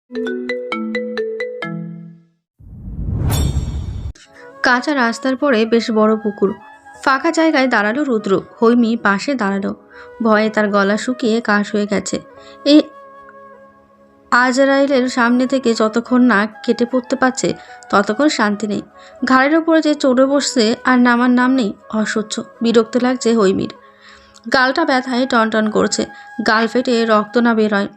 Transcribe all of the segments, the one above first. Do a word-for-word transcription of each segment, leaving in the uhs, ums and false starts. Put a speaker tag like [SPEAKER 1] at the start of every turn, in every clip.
[SPEAKER 1] কাঁচা রাস্তার পরে বেশ বড় পুকুর। ফাঁকা জায়গায় দাঁড়ালো রুদ্র। হৈমি পাশে দাঁড়ালো। ভয়ে তার গলা শুকিয়ে কাশ হয়ে গেছে। এই আজরাইলের সামনে থেকে যতক্ষণ না কেটে পড়তে পারছে ততক্ষণ শান্তি নেই। ঘাড়ের ওপরে যে চড়ে বসছে আর নামার নাম নেই। অসহ্য বিরক্ত লাগছে হৈমির। গালটা ব্যথায় টনটন করছে। গাল ফেটে রক্ত না বেরোয়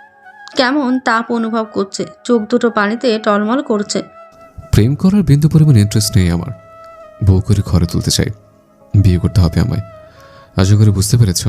[SPEAKER 1] কেমন তাপ অনুভব করছে। চোখ দুটো পানিতে টলমল করছে।
[SPEAKER 2] প্রেম করার বিন্দু পরিমাণ ইন্টারেস্ট নেই আমার। বউ করে ঘরে তুলতে চাই, বিয়ে করতে হবে আমায়। আশা করে বুঝতে পেরেছ?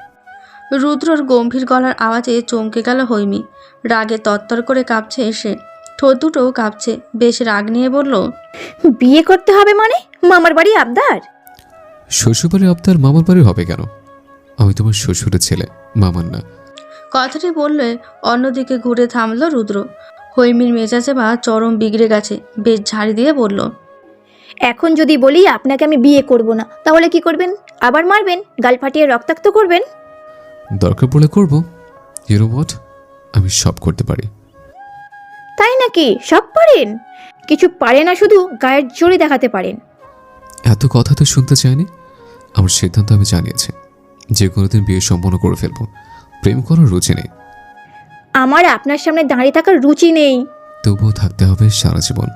[SPEAKER 1] রুদ্রর গম্ভীর গলার আওয়াজে চমকে গেল হৈমি। রাগে তত্তর করে কাঁপছে সে। ঠোঁট দুটোও কাঁপছে। বেশ রাগ নিয়ে বলল,
[SPEAKER 3] বিয়ে করতে হবে মানে? মামার বাড়ি আবদার?
[SPEAKER 2] শ্বশুরবাড়ির আবদার মামার বাড়ির হবে কেন? আমি তোমার শ্বশুরের ছেলে, মামার না।
[SPEAKER 1] কথাটি বললে অন্যদিকে ঘুরে থামল রুদ্র। হৈমির মেজাজে বা চরম বিগড়ে গেছে। বেশ ঝাড়ি দিয়ে বলল,
[SPEAKER 3] এখন যদি বলি আপনাকে আমি বিয়ে করব না, তাহলে কি করবেন? আবার মারবেন, গাল ফাটিয়ে রক্তাক্ত করবেন?
[SPEAKER 2] দরকার পড়লে করব। ইউ নো হোয়াট, আমি সব করতে পারি।
[SPEAKER 3] তাই নাকি? সব পারেন? কিছু পারে না, শুধু গায়ের জোরে দেখাতে পারেন।
[SPEAKER 2] এত কথা তো শুনতে চাইনি। আমার সিদ্ধান্ত আমি জানিয়েছি, যে কোনোদিন বিয়ে সম্পন্ন করে ফেলবো। প্রেম করার রুচি নেই।
[SPEAKER 3] আমার আপনার সামনে দাঁড়িয়ে থাকার রুচি নেই।
[SPEAKER 2] তবুও থাকতে হবে সারা জীবন।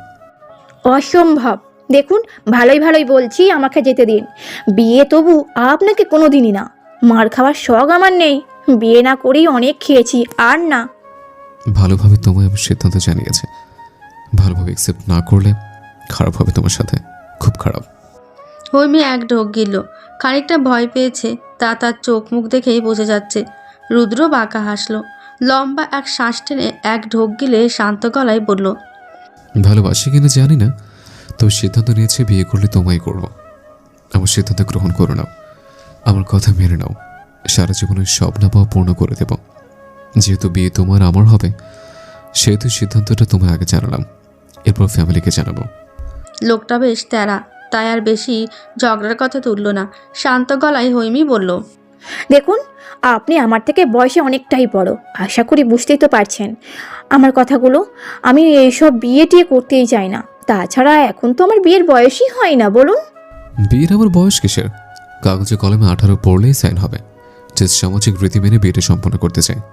[SPEAKER 3] অসম্ভব। দেখুন, ভালোই ভালোই বলছি, আমাকে যেতে দিন। বিয়ে তবু আপনাকে কোনো দিনই না। মার খাওয়ার শখ আমার নেই। বিয়ে না করেই অনেক খেয়েছি, আর না।
[SPEAKER 2] ভালোভাবে তোমায় আমার সিদ্ধান্ত জানিয়েছে। ভালোভাবে অ্যাকসেপ্ট না করলে খারাপ হবে তোমার সাথে, খুব খারাপ।
[SPEAKER 1] হৈমি এক ঢোক গিলল। খানিকটা ভয় পেয়েছে তা তার চোখ মুখ দেখেই বোঝা যাচ্ছে। রুদ্র বাঁকা হাসল। লম্বা এক শ্বাস টেনে এক ঢোক গিলে শান্ত গলায় বলল,
[SPEAKER 2] ভালোবাসি কিনা জানি না, তবে সিদ্ধান্ত নিয়েছে বিয়ে করলে তোমায় করব। আমার সিদ্ধান্ত গ্রহণ করে নাও, আমার কথা মেনে নাও। সারা জীবনের স্বপ্ন পাওয়া পূর্ণ করে দেব। যেহেতু বিয়ে তোমার আমার হবে, সেহেতু সিদ্ধান্তটা তোমায় আগে জানালাম, এরপর ফ্যামিলিকে জানাবো।
[SPEAKER 1] লোকটা বেশ তেরা, তাই আর বেশি ঝগড়ার কথা তুলল না। শান্ত গলায় হৈমি বলল,
[SPEAKER 3] দেখুন, আপনি আমার থেকে বয়সে অনেকটাই বড়। আশা করি বুঝতেই তো পারছেন আমার কথাগুলো। আমি এইসব বিয়ে টিয়ে করতেই চাই না। তাছাড়া এখন তো আমার বিয়ের বয়সই হয় না, বলুন।
[SPEAKER 2] বিয়ের আমার বয়স কিসের? কাগজে কলমে আঠারো পড়লেই সাইন হবে। যে সামাজিক রীতি মেনে বিয়েটা সম্পন্ন করতে চাই।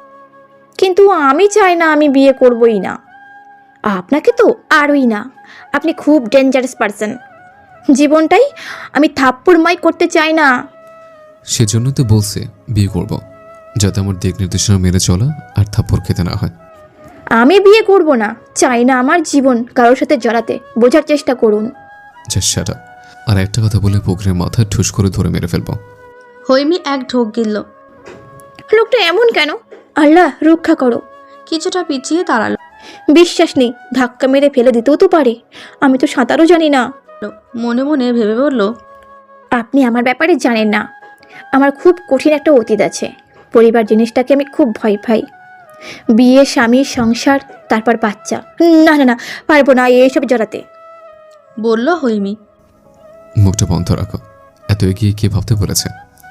[SPEAKER 3] কিন্তু আমি চাই না, আমি বিয়ে করবই না। আপনাকে তো আরই না। আপনি খুব ডেঞ্জারাস পারসন। জীবনটাই আমি থাপ্পড়ময় করতে চাই না।
[SPEAKER 2] সেজন্য তো বলছে বিয়ে করব, যাতে আমার দিক নির্দেশনা মেনে চলা আর থাপ্পড় খেতে না হয়।
[SPEAKER 3] আমি বিয়ে করব না। চাই না আমার জীবন কারোর সাথে জড়াতে। বোঝার চেষ্টা করুন।
[SPEAKER 2] Just shut up. আর একটা কথা বলে পুকুরের মাথা ঠুস করে ধরে মেরে ফেলবো।
[SPEAKER 1] হৈমি এক ঢোক গিলল।
[SPEAKER 3] লোকটা এমন কেন? আল্লাহ রক্ষা করো।
[SPEAKER 1] কিছুটা পিছিয়ে দাঁড়ালো।
[SPEAKER 3] বিশ্বাস নেই, ধাক্কা মেরে ফেলে দিতেও তো পারে। আমি তো সাঁতারও জানি না।
[SPEAKER 1] মনে মনে ভেবে বলল,
[SPEAKER 3] আপনি আমার ব্যাপারে জানেন না। আমার খুব কঠিন একটা অতীত আছে। পরিবার জিনিসটাকে আমি খুব ভয় পাই। বিয়ে, স্বামী, সংসার, তারপর বাচ্চা। না না না, পারবো না এইসব জড়াতে।
[SPEAKER 1] বলল হৈমি।
[SPEAKER 2] মুখটা বন্ধ রাখো। এত এগিয়ে কে ভাবতে বলেছে?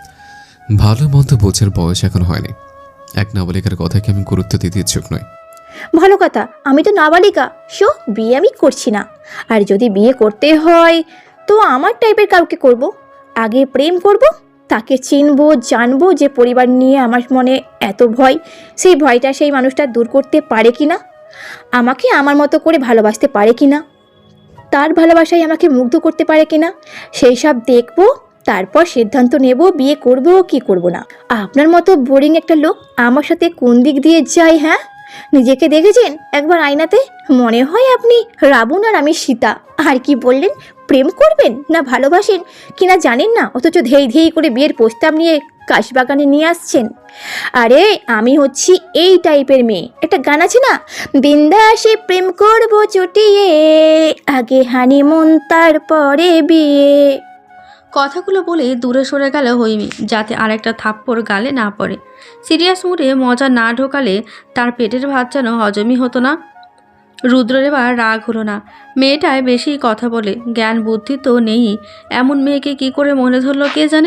[SPEAKER 2] ভালো মন্দ বোঝার বয়স এখন হয়নি। এক নাবালিকার কথাকে আমি গুরুত্ব দিতে ইচ্ছুক নই।
[SPEAKER 3] ভালো কথা, আমি তো নাবালিকা। সো বিয়ে আমি করছি না। আর যদি বিয়ে করতে হয় তো আমার টাইপের কাউকে করব। আগে প্রেম করব, তাকে চিনবো, জানবো যে পরিবার নিয়ে আমার মনে এত ভয়, সেই ভয়টা সেই মানুষটা দূর করতে পারে কি না, আমাকে আমার মতো করে ভালোবাসতে পারে কি না, তার ভালোবাসায় আমাকে মুগ্ধ করতে পারে কি না, সেই সব দেখবো। তারপর সিদ্ধান্ত নেব বিয়ে করব কি করব না। আপনার মতো বোরিং একটা লোক আমার সাথে কোন দিক দিয়ে যায়? হ্যাঁ, নিজেকে দেখেছেন একবার আয়নাতে? মনে হয় আপনি রাবণ আর আমি সীতা। আর কি বললেন? প্রেম করবেন না ভালোবাসেন কিনা জানেন না, অথচ ধেই ধেই করে বিয়ের প্রস্তাব নিয়ে কাশবাগানে নিয়ে আসছেন। আরে আমি হচ্ছি এই টাইপের মেয়ে। একটা গান আছে না, বিন্দাসে প্রেম করব চটিয়ে, আগে হানিমুন তারপরে বিয়ে।
[SPEAKER 1] কথাগুলো বলে দূরে সরে গেল হৈমি, যাতে আরেকটা থাপ্পড় গালে না পড়ে। সিরিয়াস মুডে মজা না ঢোকালে তার পেটের ভাত যেন হজমই হতো না। রুদ্রের এবার রাগ হলো না। মেয়েটায় বেশি কথা বলে, জ্ঞান বুদ্ধি তো নেই। এমন মেয়েকে কি করে মনে ধরলো কে জানে।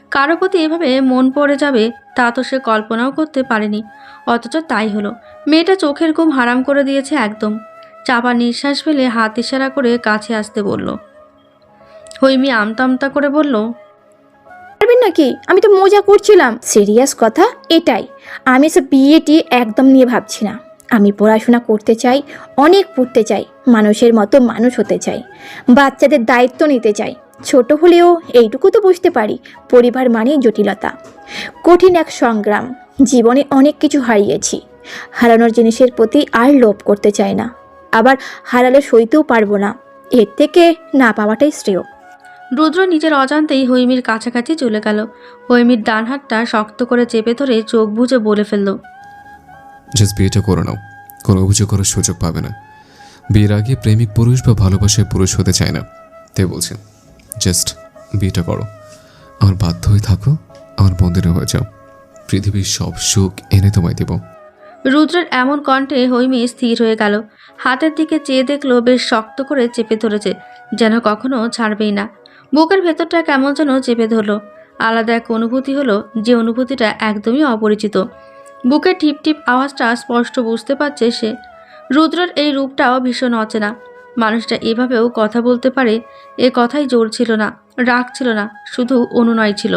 [SPEAKER 1] কারো প্রতি এভাবে মন পড়ে যাবে তা তো সে কল্পনাও করতে পারেনি, অথচ তাই হলো। মেয়েটা চোখের ঘুম হারাম করে দিয়েছে একদম। চাপা নিঃশ্বাস ফেলে হাত ইশারা করে কাছে আসতে বলল। হৈমি আমতা আমতা করে বলল,
[SPEAKER 3] পারবেন নাকি? আমি তো মজা করছিলাম, সিরিয়াস কথা এটাই। আমি সব বিয়েটি একদম নিয়ে ভাবছি না। আমি পড়াশোনা করতে চাই, অনেক পড়তে চাই, মানুষের মতো মানুষ হতে চাই, বাচ্চাদের দায়িত্ব নিতে চাই। ছোট হলেও এইটুকু তো বুঝতে পারি, পরিবার মানেই জটিলতা, কঠিন এক সংগ্রাম। জীবনে অনেক কিছু হারিয়েছি, হারানোর জিনিসের প্রতি আর লোভ করতে চাই না, আবার হারালে সইতেও পারবো না। এর থেকে না পাওয়াটাই শ্রেয়।
[SPEAKER 1] রুদ্র নিজের অজান্তেই হৈমির কাছাকাছি চলে গেল। হৈমির ডান হাতটা শক্ত করে চেপে ধরে চোখ বুজে বলে ফেলল,
[SPEAKER 2] জাস্ট বিয়েটা করে নাও, কোনো অভিযোগ করার সুযোগ পাবে না। বিয়ের আগে প্রেমিক পুরুষ বা ভালোবাসায় পুরুষ হতে চায় না, তাই বলছি জাস্ট বিয়েটা করো। আমার বাধ্য হয়ে থাকো, আমার মন্দিরে হয়ে যাও, পৃথিবীর সব সুখ এনে তোমায় দেব।
[SPEAKER 1] রুদ্রের এমন কণ্ঠে হৈমি স্থির হয়ে গেল। হাতের দিকে চেয়ে দেখলো বেশ শক্ত করে চেপে ধরেছে, যেন কখনো ছাড়বেই না। বুকের ভেতরটা কেমন যেন চেপে ধরলো। আলাদা এক অনুভূতি হলো, যে অনুভূতিটা একদমই অপরিচিত। বুকের টিপ টিপ আওয়াজটা স্পষ্ট বুঝতে পারছে সে। রুদ্রের এই রূপটাও ভীষণ অচেনা। মানুষটা এভাবেও কথা বলতে পারে, এ কথাই জোর ছিল না, রাগ ছিল না, শুধু অনুনয় ছিল।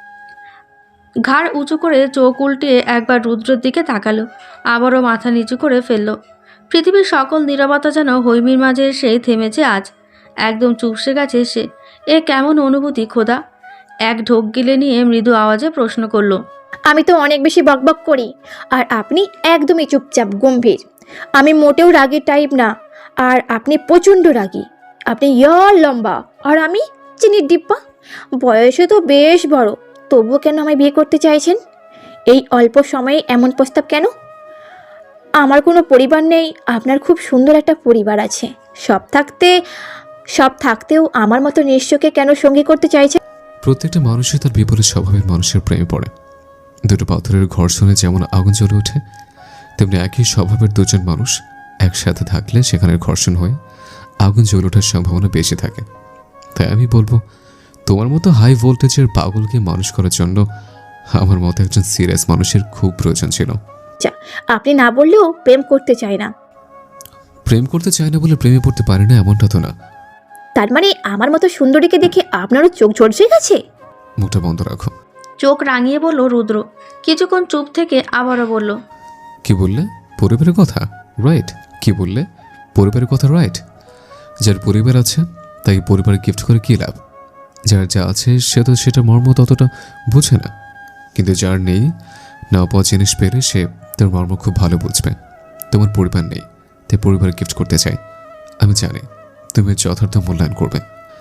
[SPEAKER 1] ঘাড় উঁচু করে চোখ উল্টিয়ে একবার রুদ্রের দিকে তাকালো, আবারও মাথা নিচু করে ফেলল। পৃথিবীর সকল নীরবতা যেন হৈমির মাঝে এসে থেমেছে আজ। একদম চুপসে গেছে সে। এ কেমন অনুভূতি খোদা? এক ঢোক গিলে নিয়ে মৃদু আওয়াজে প্রশ্ন করলো,
[SPEAKER 3] আমি তো অনেক বেশি বকবক করি, আর আপনি একদমই চুপচাপ গম্ভীর। আমি মোটেও রাগী টাইপ না, আর আপনি প্রচণ্ড রাগী। আপনি ইয়ার লম্বা, আর আমি চিনির ডিব্বা। বয়সে তো বেশ বড়, তবুও কেন আমায় বিয়ে করতে চাইছেন? এই অল্প সময়ে এমন প্রস্তাব কেন? আমার কোনো পরিবার নেই, আপনার খুব সুন্দর একটা পরিবার আছে। সব থাকতে সব থাকতেও আমার মতো নিঃস্বকে কেন সঙ্গী করতে চাইছেন?
[SPEAKER 2] প্রত্যেকটা মানুষই তার বিপরীত স্বভাবের মানুষের প্রেমে পড়ে। দুটো পাথরের ঘর্ষণে যেমন আগুন জ্বলে ওঠে, তেমনি একই স্বভাবের দুজন মানুষ একসাথে থাকলে সেখানের ঘর্ষণ হয়ে আগুন জ্বলে ওঠার সম্ভাবনা বেশি থাকে। তাই আমি বলবো, তোমার মতো হাই ভোল্টেজের পাগলকে মানুষ করার জন্য আমার মতো একজন সিরিয়াস মানুষের খুব প্রয়োজন ছিল।
[SPEAKER 3] আপনি না বললেও প্রেম করতে চাই না।
[SPEAKER 2] প্রেম করতে চায় না বলে প্রেমে পড়তে পারে না এমনটা তো না।
[SPEAKER 3] তার মানে আমার মতো সুন্দরীকে দেখে আপনারও চোখ ঝলসে গেছে?
[SPEAKER 2] মুখটা বন্ধ রাখো।
[SPEAKER 1] চোখ রাঙিয়ে বলল রুদ্র। কিছুক্ষণ চুপ থেকে আবারও বলল,
[SPEAKER 2] কি বললে? পরিবারের কথা? রাইট। কি বললে? পরিবারের কথা, রাইট। যার পরিবার আছে তাই পরিবার গিফট করে কী লাভ? যার যা আছে সে তো সেটা মর্ম ততটা বুঝে না, কিন্তু যার নেই, না পাওয়া জিনিস পেলে সে তার মর্ম খুব ভালো বুঝবে। তোমার পরিবার নেই, তাই পরিবার গিফট করতে চাই। আমি জানি তুমি যথার্থ মূল্যায়ন করবে।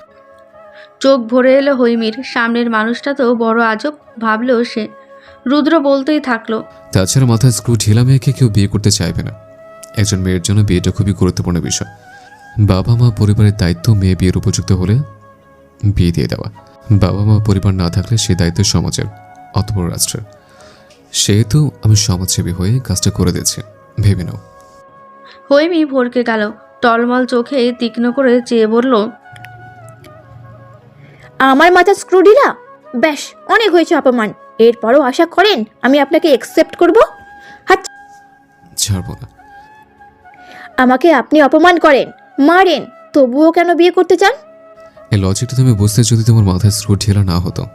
[SPEAKER 1] চোখ ভরে এলো হৈমির। সামনের মানুষটা তো বড় আজব ভাবলেও সে। রুদ্র বলতেই থাকলো,
[SPEAKER 2] তাছাড়া মাথায় স্ক্রু ঢিলা মেয়েকে কেউ বিয়ে করতে চাইবে না। একজন মেয়ের জন্য বিয়েটা খুবই গুরুত্বপূর্ণ বিষয়। বাবা মা পরিবারের দায়িত্ব মেয়ে বিয়ের উপযুক্ত হলে বিয়ে দিয়ে দেওয়া। বাবা মা পরিবার না থাকলে সে দায়িত্ব সমাজের, অতপর রাষ্ট্রের। সেহেতু আমি সমাজসেবী হয়ে কাজটা করে দিচ্ছি, ভেবে নাও।
[SPEAKER 1] হৈমি ভরকে গেল। টলমল চোখে তীক্ষ্ণ করে চেয়ে বলল,
[SPEAKER 3] আমার মাথা স্ক্রু ঢিলা? ব্যাস, অনেক হয়েছে অপমান। এরপরও আশা করেন আমি আপনাকে অ্যাকসেপ্ট করব? হাত
[SPEAKER 2] ছাড়বো না।
[SPEAKER 3] আমাকে আপনি অপমান করেন, মারেন, তবুও কেন বিয়ে করতে চান?
[SPEAKER 2] এই লজিকটা তুমি বুঝতে যদি তোমার মাথায় স্ক্রু ঢিলা না হতো।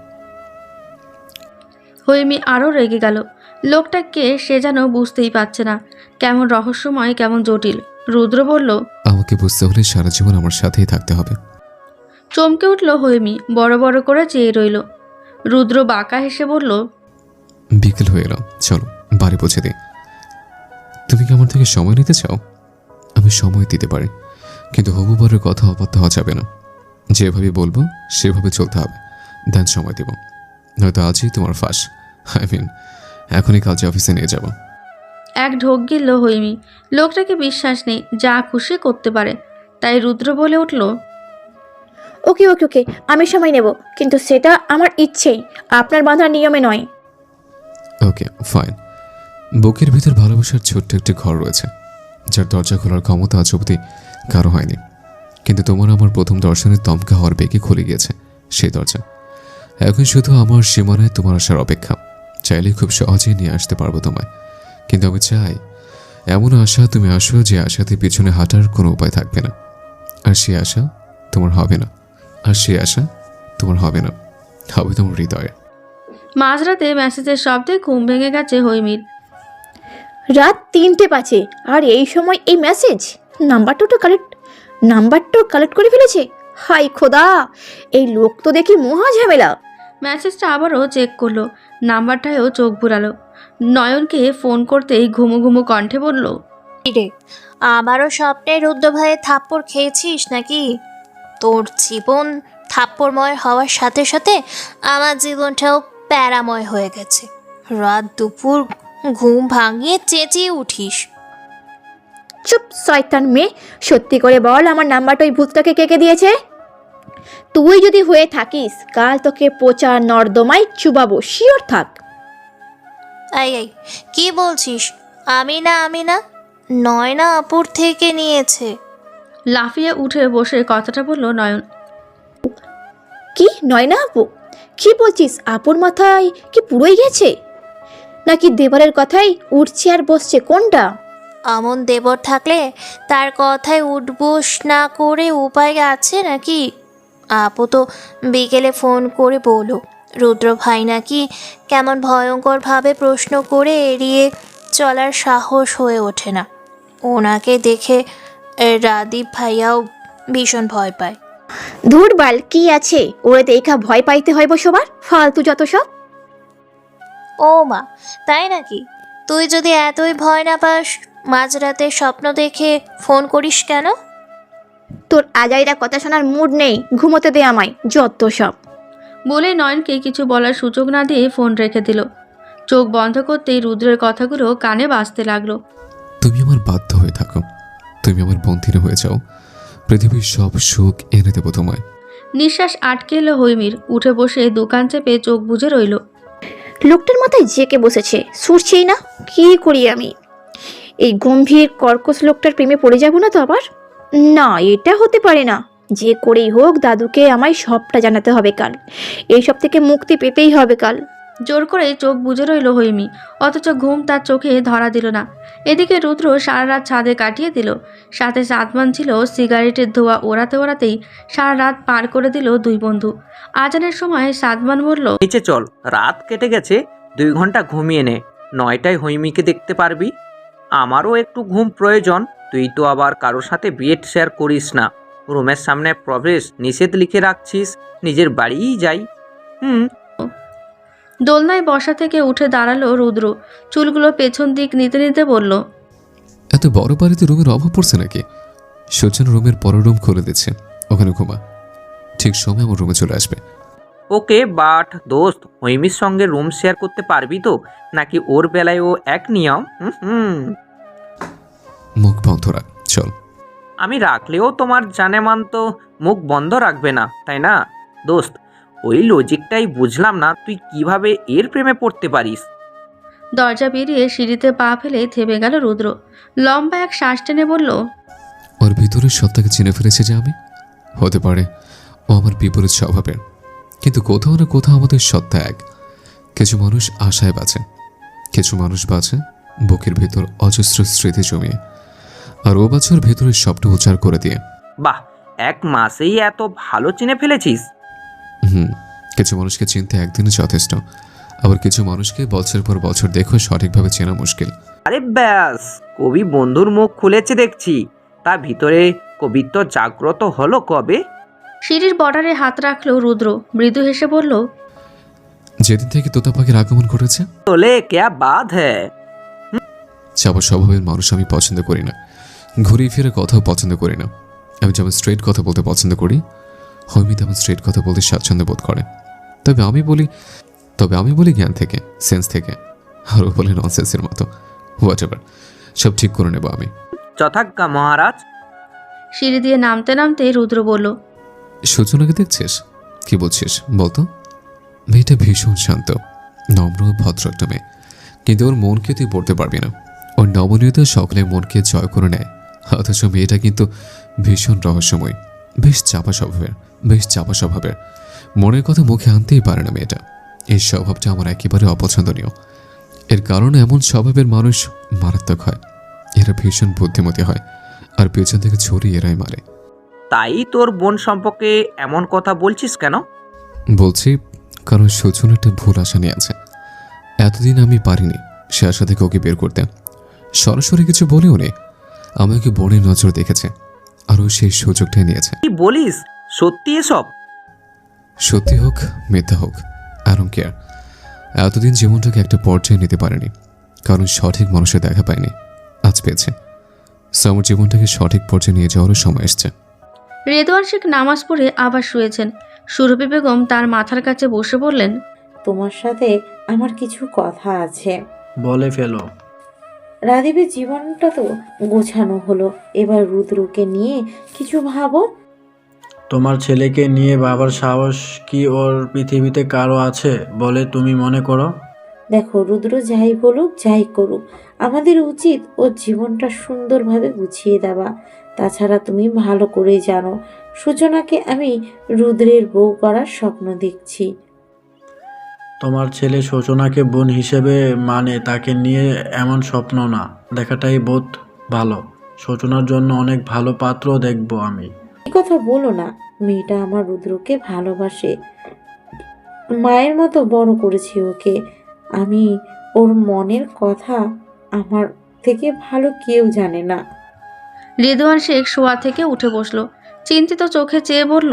[SPEAKER 1] হৈমি আরও রেগে গেল। লোকটাকে সে যেন বুঝতেই পারছে না, কেমন রহস্যময়, কেমন জটিল। রুদ্র বলল,
[SPEAKER 2] আমাকে বুঝতে হলে সারা জীবন আমার সাথেই থাকতে হবে।
[SPEAKER 1] চমকে উঠল হৈমি, বড় বড় করে চেয়ে রইল। রুদ্র বাঁকা হেসে বলল,
[SPEAKER 2] বিকেল হয়ে এলাম, চলো বাড়ি পৌঁছে দিই। তুমি কি আমার থেকে সময় নিতে চাও? আমি সময় দিতে পারি, কিন্তু হবু বরের কথা অবাধ্য হওয়া যাবে না। যেভাবে বলবো সেভাবে চলতে হবে, দেন সময় দেব। নয়তো আজই তোমার ফাঁস। আই মিন এখনই কালকে অফিসে নিয়ে যাব।
[SPEAKER 1] এক ঢোক গিলল হৈমি। লোকটাকে বিশ্বাস নেই, যা খুশি করতে পারে। তাই রুদ্র বলে উঠল,
[SPEAKER 3] ওকে ওকে ওকে আমি সময় নেব, কিন্তু সেটা আমার ইচ্ছেই, আপনার বাঁধার নিয়মে নয়।
[SPEAKER 2] Okay fine. বুকের ভিতর ভালোবাসার ছোট্ট একটি ঘর রয়েছে, যার দরজা খোলার ক্ষমতা আজ অবধি কারো হয়নি। কিন্তু তোমার আমার প্রথম দর্শনের দমকা হওয়ার বেগে খুলে গিয়েছে সেই দরজা। এখন শুধু আমার সীমানায় তোমার আসার অপেক্ষা। চাইলে খুব সহজেই নিয়ে আসতে পারবো তোমায়, কিন্তু আমি চাই এমন আশা তুমি আসো যে আশাতে পিছনে হাঁটার কোনো উপায় থাকবে না। আর সে আশা তোমার হবে না, আর সে আশা তোমার হবে না, হবে তোমার হৃদয়ে।
[SPEAKER 1] মাঝরাতে মেসেজের শব্দে ঘুম ভেঙে গেছে হৈমির।
[SPEAKER 3] রাত তিনটে বাজে আর এই সময় এই মেসেজ! নাম্বারটা তো কালেক্ট নাম্বারটাও কালেক্ট করে ফেলেছে। হাই খোদা, এই লোক তো দেখি মহা ঝামেলা।
[SPEAKER 1] মেসেজটা আবারও চেক করলো, নাম্বারটায়ও চোখ বুলালো। নয়নকে ফোন করতেই ঘুমু ঘুমু কণ্ঠে বলল,
[SPEAKER 4] রে আমারও স্বপ্নে রুদ্র ভাইয়ের থাপ্পড় খেয়েছিস নাকি? তোর জীবন থাপ্পড়ময় হওয়ার সাথে সাথে আমার জীবনটাও প্যারাময় হয়ে গেছে। রাত দুপুর ঘুম ভাঙিয়ে চেঁচিয়ে উঠিস।
[SPEAKER 3] চুপ শয়তান মেয়ে, সত্যি করে বল আমার নাম্বারটা ওই ভূতটাকে কে কে দিয়েছে? তুই যদি হয়ে থাকিস কাল তোকে পচা নর্দমায় চুবাবো, শিওর থাক।
[SPEAKER 4] এই এই কি বলছিস? আমি না আমি না নয়না আপুর থেকে নিয়েছে।
[SPEAKER 1] লাফিয়ে উঠে বসে কথাটা বলল নয়ন।
[SPEAKER 3] কি নয়না আপু? কি বলছিস? আপুর মাথায় কি পুরোই গেছে নাকি দেবরের কথাই উঠছে আর বসছে? কোনটা?
[SPEAKER 4] আমন দেবর থাকলে তার কথায় উঠবোস না করে উপায় আছে নাকি? আপু তো বিকেলে ফোন করে বলো রুদ্র ভাই নাকি কেমন ভয়ঙ্করভাবে প্রশ্ন করে এড়িয়ে চলার সাহস হয়ে ওঠে না। ওনাকে দেখে এ, রাদীপ ভাইয়াও ভীষণ ভয় পায়।
[SPEAKER 3] ধুর বাল, কি আছে ওরে দেখা ভয় পাইতে হইব সবার? ফালতু যত সব।
[SPEAKER 4] ও মা, তাই নাকি? তুই যদি এতই ভয় না পাস মাঝরাতে স্বপ্ন দেখে ফোন করিস কেন?
[SPEAKER 3] তোর আজাইরা কথা শোনার মুড নেই, ঘুমোতে দে আমায়, যত সব।
[SPEAKER 1] বলে নয়নকে কিছু বলার সুযোগ না দিয়ে ফোন রেখে দিল। চোখ বন্ধ করতেই রুদ্রের কথাগুলো কানে বাজতে লাগলো।
[SPEAKER 2] তুমি আমার বাধ্য হয়ে থাকো, তুমি আমার বন্ধিনী হয়ে যাও, পৃথিবীর সব সুখ এনে দেবো তোমায়।
[SPEAKER 1] নিঃশ্বাস আটকে এলো হৈমির। উঠে বসে দোকান চেপে চোখ বুজে রইল।
[SPEAKER 3] লোকটার মাথায় জেকে বসেছে, সুরছেই না। কি করি আমি? এই গম্ভীর কর্কশ লোকটার প্রেমে পড়ে যাব না তো আবার? না, এটা হতে পারে না। যে করেই হোক দাদুকে আমায় সবটা জানাতে হবে কাল। এইসব থেকে মুক্তি পেতেই হবে কাল।
[SPEAKER 1] জোর করে চোখ বুজে রইল হৈমি, অথচ ঘুম তার চোখে ধরা দিল না। এদিকে রুদ্র সারা রাত ছাদে কাটিয়ে দিল। সাথে সাতমান ছিল। সিগারেটের ধোঁয়া ওড়াতে ওড়াতেই সারা রাত পার করে দিল দুই বন্ধু। আজানের সময় সাতমান বলল,
[SPEAKER 5] নিচে চল, রাত কেটে গেছে, দুই ঘন্টা ঘুমিয়ে নে, নয়টায় হৈমিকে দেখতে পারবি। আমারও একটু ঘুম প্রয়োজন। তুই তো আবার কারোর সাথে বেড শেয়ার করিস না। রুমের সামনে প্রবেশ নিষেধ লিখে রাখছিস, নিজের বাড়িই যাই। হুম
[SPEAKER 1] দোলনায় বসা থেকে উঠে দাঁড়ালো রুদ্র। চুলগুলো পেছন দিক নিতে নিতে বলল,
[SPEAKER 2] এত বড় বাড়িতে রুমের অভাব পড়ছে নাকি? সূর্যন রুমের পরের রুম খুলে দিচ্ছে, ওখানে ঘুমা। ঠিক সময় আমার রুমে চলে আসবে।
[SPEAKER 5] ওকে, বাট দোস্ত, হৈমির সঙ্গে রুম শেয়ার করতে পারবি তো? নাকি ওর বেলায় ও এক নিয়ম? হুম হুম
[SPEAKER 2] মুখ বন্ধ রাখ, চল।
[SPEAKER 5] আমি রাখলেও তোমার জানেমান তো মুখ বন্ধ রাখবে না, তাই না দোস্ত? ওই লজিকটাই বুঝলাম না, তুই কিভাবে এর প্রেমে পড়তে পারিস।
[SPEAKER 1] দরজা বেরিয়ে সিঁড়িতে পা ফেলে থেমে গেল রুদ্র। লম্বা এক শ্বাস টেনে বলল,
[SPEAKER 2] ওর ভিতরের সত্তাকে চিনে ফেলেছে যে আমি। হতে পারে ও আমার বিপরীত স্বভাবের, কিন্তু কোথাও না কোথাও আমাদের সত্তা এক। কিছু মানুষ আশায় বাঁচে, কিছু মানুষ বাঁচে বুকের ভেতর অজস্র স্মৃতি জমিয়ে, আর ও বাঁচে ওর ভেতরের সবটা উচ্চার করে দিয়ে।
[SPEAKER 5] বাহ, এক মাসেই এত ভালো চিনে ফেলেছিস।
[SPEAKER 2] হুম কিছু মানুষকে চিনতে একদিনে যথেষ্ট, আবার কিছু মানুষকে বছর পর বছর দেখো সঠিকভাবে চেনা মুশকিল।
[SPEAKER 5] আরে ব্যাস, কবি বন্ধুর মুখ খুলেছে দেখছি। তার ভিতরে কবিত্ব জাগ্রত হলো কবে?
[SPEAKER 1] সিঁড়ির বর্ডারে হাত রাখলো রুদ্র। মৃদু হেসে বলল,
[SPEAKER 2] যেদিন থেকে তোতা পাখির আগমন ঘটেছে।
[SPEAKER 5] তোলে ক্যা বাত হ্যায়।
[SPEAKER 2] চাপা স্বভাবের মানুষ আমি পছন্দ করি না, ঘুরিয়ে ফিরে কথাও পছন্দ করি না। আমি যেমন স্ট্রেট কথা বলতে পছন্দ করি, হৈমি তেমন স্ট্রেট কথা বলতে স্বাচ্ছন্দ্য বোধ করে। তবে আমি বলি তবে আমি বলি জ্ঞান থেকে, সেন্স থেকে, আর ও বলে ননসেন্সের মতো। হোয়াট এভার, সব ঠিক করে নেব আমি।
[SPEAKER 5] যথাজ্ঞা মহারাজ।
[SPEAKER 1] সিঁড়ি দিয়ে নামতে নামতে রুদ্র বলল,
[SPEAKER 2] সূচনাকে দেখছিস? কি বলছিস বলতো? মেয়েটা ভীষণ শান্ত, নম্র, ভদ্র একটা মেয়ে, কিন্তু ওর মনকে তুই পড়তে পারবি না। ওর নমনীয়তা সকলের মনকে জয় করে নেয়, অথচ মেয়েটা কিন্তু ভীষণ রহস্যময়, বেশ চাপা স্বভাবের বেশ চাপা স্বভাবের মনের কথা মুখে আনতেই পারে না মেয়েটা। এই স্বভাবটা আমার একেবারে অপছন্দনীয়। এর কারণে এমন স্বভাবের মানুষ মারাত্মক হয়। এরা ভীষণ বুদ্ধিমতী হয়, আর পেছন থেকে ছড়ি এরাই মারে।
[SPEAKER 5] তাই তোর বোন সম্পর্কে এমন কথা বলছিস কেন?
[SPEAKER 2] বলছি কারণ সুজন একটা ভুল আশা নিয়ে আছে। এতদিন আমি পারিনি সে আশা থেকে ওকে বের করতে। সরাসরি কিছু বলেও নে, আমাকে বোনের নজর দেখেছে আর ও সেই সুযোগটাই নিয়েছে।
[SPEAKER 5] কি বলিস, সত্যি এসব?
[SPEAKER 2] সত্যি হোক মিথ্যা হোক, আই ডোন্ট কেয়ার। এতদিন জীবনটাকে একটা পর্যায়ে নিতে পারেনি কারণ সঠিক মানুষের দেখা পায়নি, আজ পেয়েছে। সো আমার জীবনটাকে সঠিক পর্যায়ে নিয়ে যাওয়ারও সময় এসছে।
[SPEAKER 1] রেদওয়ান শেখ নামাজ পড়ে আবার শুয়েছেন। সুরভি বেগম তার মাথার কাছে বসে বললেন,
[SPEAKER 6] তোমার সাথে আমার কিছু কথা আছে।
[SPEAKER 7] বলে ফেলো।
[SPEAKER 6] রাদীপের জীবনটা তো গোছানো হলো, এবার রুদ্রকে নিয়ে কিছু ভাবো।
[SPEAKER 7] তোমার ছেলেকে নিয়ে বাবার সাহস কি ওর পৃথিবীতে কারো আছে বলে তুমি মনে করো?
[SPEAKER 6] দেখো, রুদ্র যাই বলুক যাই করুক, আমাদের উচিত ওর জীবনটা সুন্দরভাবে গুছিয়ে দেওয়া। তাছাড়া তুমি ভালো করেই জানো সূচনাকে আমি রুদ্রের বউ করার স্বপ্ন দেখছি।
[SPEAKER 7] তোমার ছেলে সূচনাকে বোন হিসেবে মানে তাকে নিয়ে এমন স্বপ্ন না দেখাটাই বোধ ভালো। সূচনার জন্য অনেক ভালো পাত্র দেখব আমি।
[SPEAKER 6] এই কথা বলো না, মেয়েটা আমার রুদ্রকে ভালোবাসে, মায়ের মতো বড় করেছি ওকে আমি। ওর মনের কথা আমার থেকে ভালো কেউ জানে না।
[SPEAKER 1] রেদওয়ান শেখ শোয়া থেকে উঠে বসলো, চিন্তিত চোখে চেয়ে বলল,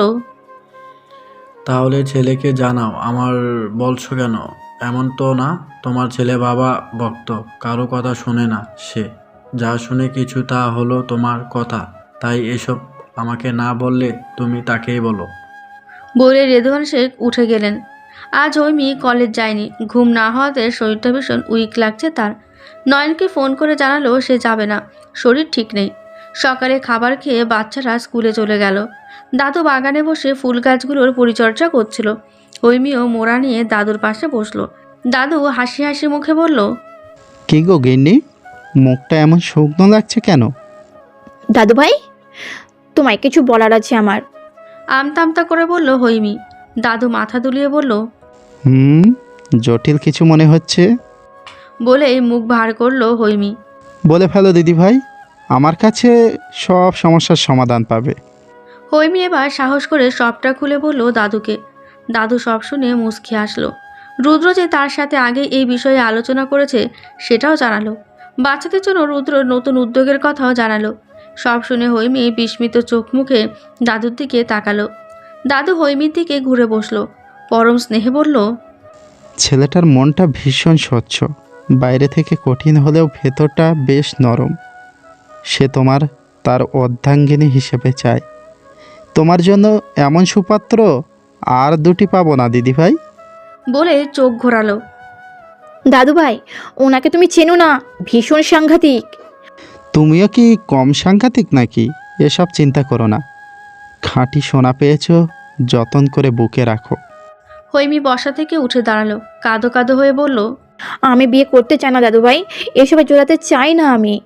[SPEAKER 7] তাহলে ছেলেকে জানাও। আমার বলছো কেন? এমন তো না তোমার ছেলে বাবা ভক্ত, কারো কথা শুনে না সে। যা শুনে কিছু তা হলো তোমার কথা, তাই এসব আমাকে না বললে তুমি তাকেই বলো।
[SPEAKER 1] বলে রেদওয়ান শেখ উঠে গেলেন। আজ হৈমি কলেজ যায়নি, ঘুম না হওয়াতে শরীরটা ভীষণ উইক লাগছে তার। নয়নকে ফোন করে জানালো সে যাবে না, শরীর ঠিক নেই। সকালে খাবার খেয়ে বাচ্চারা স্কুলে চলে গেল। দাদু বাগানে বসে ফুল গাছগুলোর পরিচর্যা করছিল। হৈমিও মোড়া নিয়ে দাদুর পাশে বসলো। দাদু হাসি হাসি মুখে বলল,
[SPEAKER 8] কি গো গিন্নি, মুখটা এমন শুকনো লাগছে কেন?
[SPEAKER 3] দাদু ভাই, তোমায় কিছু বলার আছে আমার।
[SPEAKER 1] আমতা আমতা করে বলল হৈমি। দাদু মাথা দুলিয়ে বলল,
[SPEAKER 8] হুম, জটিল কিছু মনে হচ্ছে।
[SPEAKER 1] বলেই মুখ ভার করলো হৈমি।
[SPEAKER 8] বলে ফেলো দিদি ভাই, আমার কাছে সব সমস্যার সমাধান পাবে।
[SPEAKER 1] হৈমি এবার সাহস করে সবটা খুলে বলল দাদুকে। দাদু সব শুনে মুচকি আসলো। রুদ্র যে তার সাথে আগে এই বিষয়ে আলোচনা করেছে সেটাও জানালো। বাচ্চাদের জন্য রুদ্র নতুন উদ্যোগের কথাও জানালো। সব শুনে হৈমি বিস্মিত চোখ মুখে দাদুর দিকে তাকালো। দাদু হৈমির দিকে ঘুরে বসলো, পরম স্নেহে বলল,
[SPEAKER 8] ছেলেটার মনটা ভীষণ স্বচ্ছ, বাইরে থেকে কঠিন হলেও ভেতরটা বেশ নরম। সে তোমার তার অর্ধাঙ্গিনী হিসেবে চায়। তোমার জন্য এমন সুপাত্র আর দুটি পাবো না দিদি ভাই।
[SPEAKER 1] বলে চোখ ঘোরালো।
[SPEAKER 3] দাদু ভাই, ওনাকে তুমি চেনো না, ভীষণ সাংঘাতিক।
[SPEAKER 8] তুমিও কি কম সাংঘাতিক নাকি? এসব চিন্তা করো না, খাঁটি সোনা পেয়েছ, যতন করে বুকে রাখো।
[SPEAKER 1] হৈমি বসা থেকে উঠে দাঁড়ালো, কাঁদো কাঁদো হয়ে বলল,
[SPEAKER 3] আমি বিয়ে করতে চাই না দাদু ভাই, এসবে জোড়াতে চাই না আমি।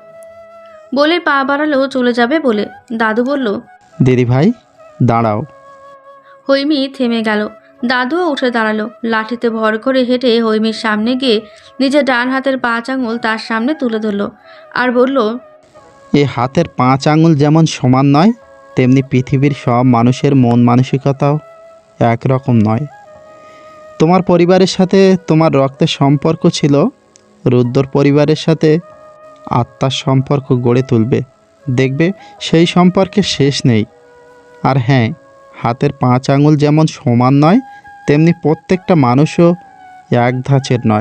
[SPEAKER 1] বলে পা বাড়ালো চলে যাবে বলে। দাদু বলল,
[SPEAKER 8] দিদি ভাই দাঁড়াও।
[SPEAKER 1] হৈমি থেমে গেল। দাদুও উঠে দাঁড়ালো, লাঠিতে ভর করে হেঁটে হৈমির সামনে গিয়ে নিজের ডান হাতের পাঁচ আঙুল তার সামনে তুলে ধরল আর বলল,
[SPEAKER 8] এ হাতের পাঁচ আঙুল যেমন সমান নয়, তেমনি পৃথিবীর সব মানুষের মন মানসিকতাও একরকম নয়। তোমার পরিবারের সাথে তোমার রক্তের সম্পর্ক ছিল, রুদ্রর পরিবারের সাথে আত্মার সম্পর্ক গড়ে তুলবে, দেখবে সেই সম্পর্কে শেষ নেই। আর হ্যাঁ, হাতের পাঁচ আঙুল যেমন সমান নয়, তেমনি প্রত্যেকটা মানুষও এক ধাঁচের নয়।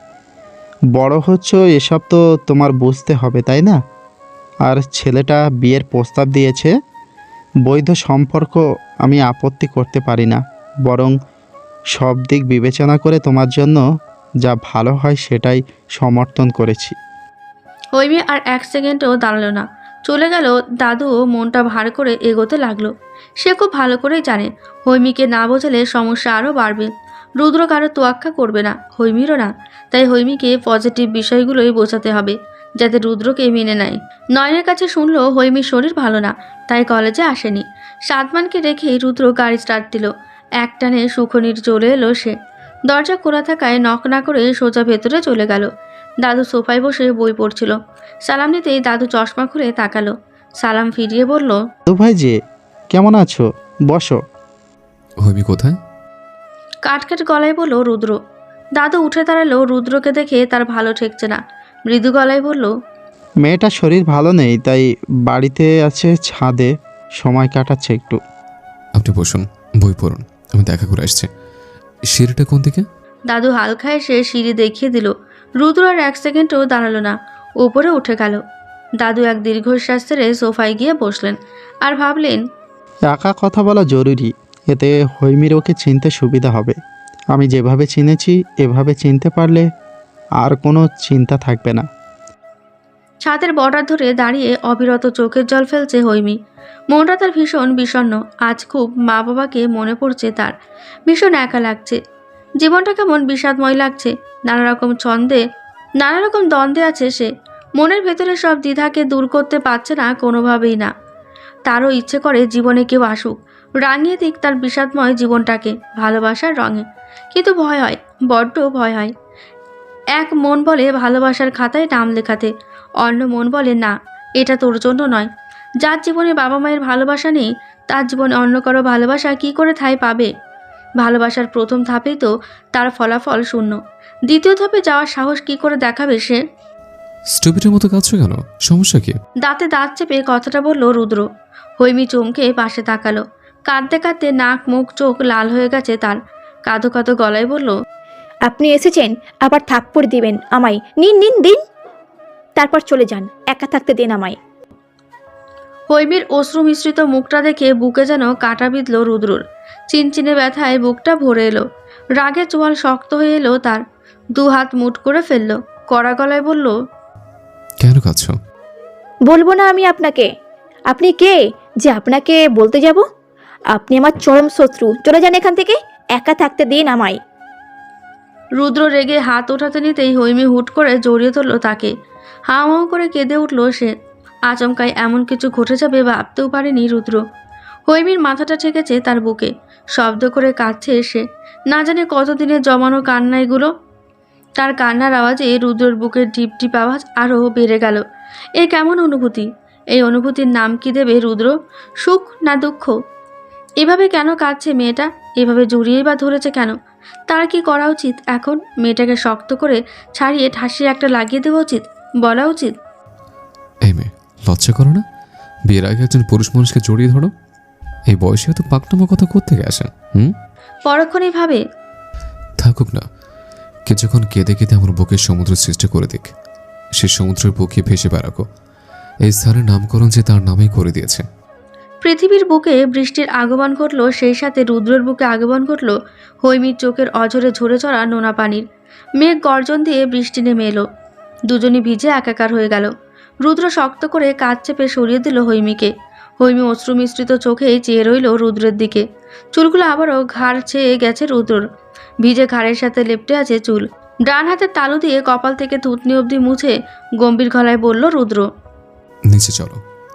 [SPEAKER 8] বড় হচ্ছ এসব তো তোমার বুঝতে হবে, তাই না? আর ছেলেটা বিয়ের প্রস্তাব দিয়েছে, বৈধ সম্পর্ক আমি আপত্তি করতে পারি না, বরং সব দিক বিবেচনা করে তোমার জন্য যা ভালো হয় সেটাই সমর্থন করেছি।
[SPEAKER 1] হৈমি আর এক সেকেন্ডও দাঁড়ালো না, চলে গেল। দাদুও মনটা ভার করে এগোতে লাগলো। সে খুব ভালো করেই জানে হৈমিকে না বোঝালে সমস্যা আরও বাড়বে। রুদ্র কারো তোয়াক্কা করবে না, হৈমিরও না। তাই হৈমিকে পজিটিভ বিষয়গুলোই বোঝাতে হবে যাতে রুদ্রকে মেনে নেয়। নয়নের কাছে শুনলো হৈমির শরীর ভালো না, তাই কলেজে আসেনি। সাদমানকে রেখেই রুদ্র গাড়ি স্টার্ট দিল। একটানে সুখনির চলে এলো সে। দরজা খোলা থাকায় নক না করে সোজা ভেতরে চলে গেল। দাদু সোফায় বসে বই পড়ছিল। সালাম নিতেই দাদু চশমা খুলে তাকালো। সালাম ফিরিয়ে বলল,
[SPEAKER 8] তো ভাই যে কেমন আছো, বসো।
[SPEAKER 2] হৈমি কোথায়?
[SPEAKER 1] কাটকাট গলায় বলল রুদ্র। দাদু উঠে দাঁড়ালো। রুদ্রকে দেখে তার ভালো ঠেকছে না। মৃদু গলায় বলল,
[SPEAKER 8] মেয়েটার শরীর ভালো নেই, তাই বাড়িতে আছে, ছাদে সময় কাটাচ্ছে একটু।
[SPEAKER 2] আপনি বসুন, বই পড়ুন, আমি দেখা করে আসছি। সিঁড়িটা কোন দিকে?
[SPEAKER 1] দাদু হালকা এসে সিঁড়ি দেখিয়ে দিল। রুদ্র আর এক সেকেন্ডও দাঁড়ালো না, উপরে উঠে গেল। দাদু এক দীর্ঘশ্বাস ছেড়ে সোফায় গিয়ে বসলেন আর ভাবলেন,
[SPEAKER 8] একা কথা বলা জরুরি, এতে হৈমির ওকে চিনতে সুবিধা হবে। আমি যেভাবে চিনেছি এভাবে চিনতে পারলে আর কোনো চিন্তা থাকবে না।
[SPEAKER 1] ছাদের বর্ডার ধরে দাঁড়িয়ে অবিরত চোখের জল ফেলছে হৈমি। মনটা তার ভীষণ বিষণ্ণ। আজ খুব মা বাবাকে মনে পড়ছে তার। ভীষণ একা লাগছে। জীবনটা কেমন বিষাদময় লাগছে। নানা রকম ছন্দে নানা রকম দ্বন্দ্বে আছে সে। মনের ভেতরে সব দ্বিধাকে দূর করতে পারছে না কোনোভাবেই না। তারও ইচ্ছে করে জীবনে কেউ আসুক, রাঙিয়ে দিক তার বিষাদময় জীবনটাকে ভালোবাসার রঙে। কিন্তু ভয় হয়, বড্ড ভয় হয়। এক মন বলে ভালোবাসার খাতায় নাম লেখাতে, অন্য মন বলে না, এটা তোর জন্য নয়। যার জীবনে বাবা মায়ের ভালোবাসা নেই, তার জীবনে অন্য কারো ভালোবাসা কি করে ঠাঁই পাবে? ভালোবাসার প্রথম ধাপেই তো তার ফলাফল শূন্য। দ্বিতীয় ধাপে যাওয়ার সাহস কি করে দেখাবে সে?
[SPEAKER 2] স্টুপিটের মতো কাঁদছো কেন? সমস্যা কি?
[SPEAKER 1] দাঁতে দাঁত চেপে কথাটা বলল রুদ্র। হৈমি চমকে পাশে তাকালো। কাঁদতে কাঁদতে নাক মুখ চোখ লাল হয়ে গেছে তার। কাঁদো কাঁদো গলায় বলল,
[SPEAKER 3] আপনি এসেছেন, আবার থাপ্পড় দিবেন আমায়? নিন নিন দিন, তারপর চলে যান, একা থাকতে দিন আমায়।
[SPEAKER 1] হৈমির অশ্রু মিশ্রিত মুখটা দেখে বুকে যেন কাঁটা বিঁধল রুদ্রর। চিনচিনে ব্যথায় বুকটা ভরে এলো। রাগে চোয়াল শক্ত হয়ে এলো তার। দু হাত মুঠ করে ফেললো। কড়া গলায় বলল,
[SPEAKER 2] কেন কাঁদছো?
[SPEAKER 3] বলবো না আমি আপনাকে। আপনি কে যে আপনাকে বলতে যাব? আপনি আমার চরম শত্রু, চলে যান এখান থেকে, একা থাকতে দিন আমায়।
[SPEAKER 1] রুদ্র রেগে হাত ওঠাতে নিতেই হৈমি হুট করে জড়িয়ে ধরল তাকে। হাঁ হাঁ করে কেঁদে উঠল সে। আচমকায় এমন কিছু ঘটে যাবে ভাবতেও পারেনি রুদ্র। হৈমির মাথাটা ঠেকেছে তার বুকে। শব্দ করে কাঁদছে সে। না জানে কতদিনের জমানো কান্না এগুলো। তার কান্নার আওয়াজে রুদ্রর বুকের টিপ টিপ আওয়াজ আরও বেড়ে গেল। এ কেমন অনুভূতি? এই অনুভূতির নাম কি দেবে রুদ্র? সুখ না দুঃখ? এভাবে কেন কাঁদছে মেয়েটা? এভাবে জড়িয়েই বা ধরেছে কেন? তার কি করা উচিত এখন? মেয়েটাকে শক্ত করে ছাড়িয়ে ঠাসিয়ে একটা লাগিয়ে দেওয়া উচিত, বলা উচিত।
[SPEAKER 2] এই মেয়ে, লজ্জা করো না? বিয়ের আগে একজন পুরুষ মানুষকে জড়িয়ে ধরো? এই বয়সে এত পাকনামা কথা কোত্থেকে আসে? হুম
[SPEAKER 1] পরক্ষণেই ভাবে,
[SPEAKER 2] থাকুক না, কিছুক্ষণ কেঁদে কেঁদে আমার বুকের সমুদ্র সৃষ্টি করে দিক। সে সমুদ্রের বুকে ভেসে বেড়াকো। এই স্থানের নামকরণ যে তার নামেই করে দিয়েছে।
[SPEAKER 1] পৃথিবীর বুকে বৃষ্টির আগমন ঘটল, সেই সাথে রুদ্রের বুকে আগমন ঘটল হৈমির চোখের অঝরে ঝরে চড়া নোনা পানির। মেঘ গর্জন দিয়ে বৃষ্টি নেমে এলো। দুজনই ভিজে একাকার হয়ে গেল। রুদ্র শক্ত করে কাঁধ চেপে সরিয়ে দিল হৈমিকে। হৈমি অশ্রু মিশ্রিত চোখেই চেয়ে রইল রুদ্রের দিকে। চুলগুলো আবারও ঘাড় ছেয়ে গেছে রুদ্রর। ভিজে ঘাড়ের সাথে লেপ্টে আছে চুল। ডান হাতের তালু দিয়ে কপাল থেকে থুতনি অবধি মুছে গম্ভীর গলায় বলল রুদ্র,
[SPEAKER 2] নিচে চলো।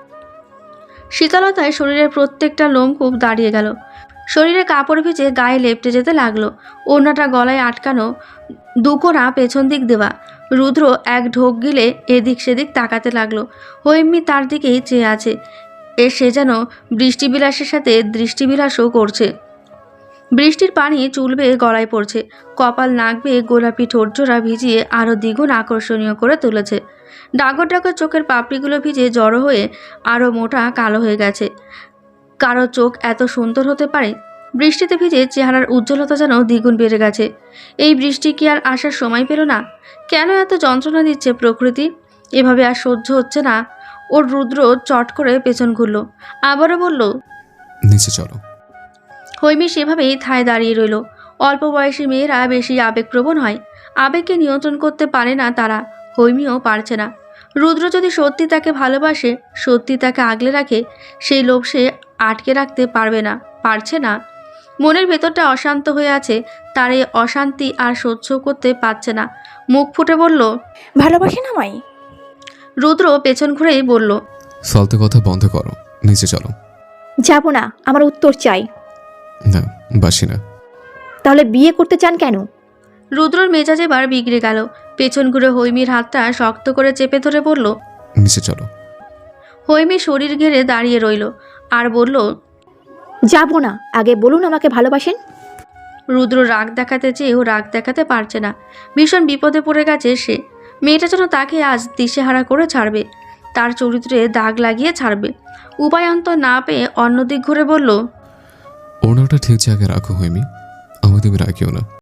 [SPEAKER 1] শীতলতায় শরীরের প্রত্যেকটা লোমকূপ দাঁড়িয়ে গেল। শরীরে কাপড় ভিজে গায়ে লেপ্টে যেতে লাগলো। ওড়নাটা গলায় আটকানো, দুকোনা পেছন দিক দেওয়া। রুদ্র এক ঢোক গিলে এদিক সেদিক তাকাতে লাগলো। হৈমি তার দিকেই চেয়ে আছে। এ সে যেন বৃষ্টিবিলাসের সাথে দৃষ্টিবিলাসও করছে। বৃষ্টির পানি চুল বেয়ে গলায় পড়ছে। কপাল নাক বেয়ে গোলাপি ঠোঁটজোড়া ভিজিয়ে আরও দ্বিগুণ আকর্ষণীয় করে তুলেছে। ডাগর ডাগর চোখের পাপড়িগুলো ভিজে জড়ো হয়ে আরও মোটা কালো হয়ে গেছে। কারো চোখ এত সুন্দর হতে পারে? বৃষ্টিতে ভিজে চেহারার উজ্জ্বলতা যেন দ্বিগুণ বেড়ে গেছে। এই বৃষ্টি কি আর আসার সময় পেল না? কেন এত যন্ত্রণা দিচ্ছে প্রকৃতি? এভাবে আর সহ্য হচ্ছে না ওর। রুদ্র চট করে পেছন ঘুরল। আবারও বলল,
[SPEAKER 2] নিচে চলো।
[SPEAKER 1] হৈমি সেভাবেই ঠায় দাঁড়িয়ে রইল। অল্প বয়সী মেয়েরা বেশি আবেগপ্রবণ হয়। আবেগকে নিয়ন্ত্রণ করতে পারে না তারা। হৈমিও পারছে না। রুদ্র যদি সত্যি তাকে ভালোবাসে, সত্যি তাকে আগলে রাখে, সেই লোভ সে আটকে রাখতে পারবে না, পারছে না। মনের ভেতরটা অশান্ত হয়ে আছে। তার এই অশান্তি আর সহ্য করতে পারছে না। মুখ ফুটে বলল,
[SPEAKER 3] ভালোবাসেন আমায়?
[SPEAKER 1] রুদ্র পেছন ঘুরেই বলল,
[SPEAKER 2] ফালতু কথা বন্ধ করো, নিচে চলো।
[SPEAKER 3] যাব না, আমার উত্তর চাই।
[SPEAKER 2] না, বাসি না।
[SPEAKER 3] তাহলে বিয়ে করতে চান কেন?
[SPEAKER 1] রুদ্রর মেজাজ এবার বিগড়ে গেল। পেছন ঘুরে হৈমির হাতটা শক্ত করে চেপে ধরে বলল।
[SPEAKER 2] নিচে চলো।
[SPEAKER 1] হৈমি শরীর ঘেরে দাঁড়িয়ে রইল আর বলল,
[SPEAKER 3] যাব না, আগে বলুন আমাকে ভালোবাসেন।
[SPEAKER 1] রুদ্র রাগ দেখাতে চেয়েও রাগ দেখাতে পারছে না। ভীষণ বিপদে পড়ে গেছে সে। মেয়েটা যেন তাকে আজ দিশেহারা করে ছাড়বে, তার চরিত্রে দাগ লাগিয়ে ছাড়বে। উপায়ন্ত না পেয়ে অন্যদিক ঘুরে বলল,
[SPEAKER 2] ওনাটা ঠিক জায়গায় রাখো হৈমি, আমাকে তুমি রাখিও না।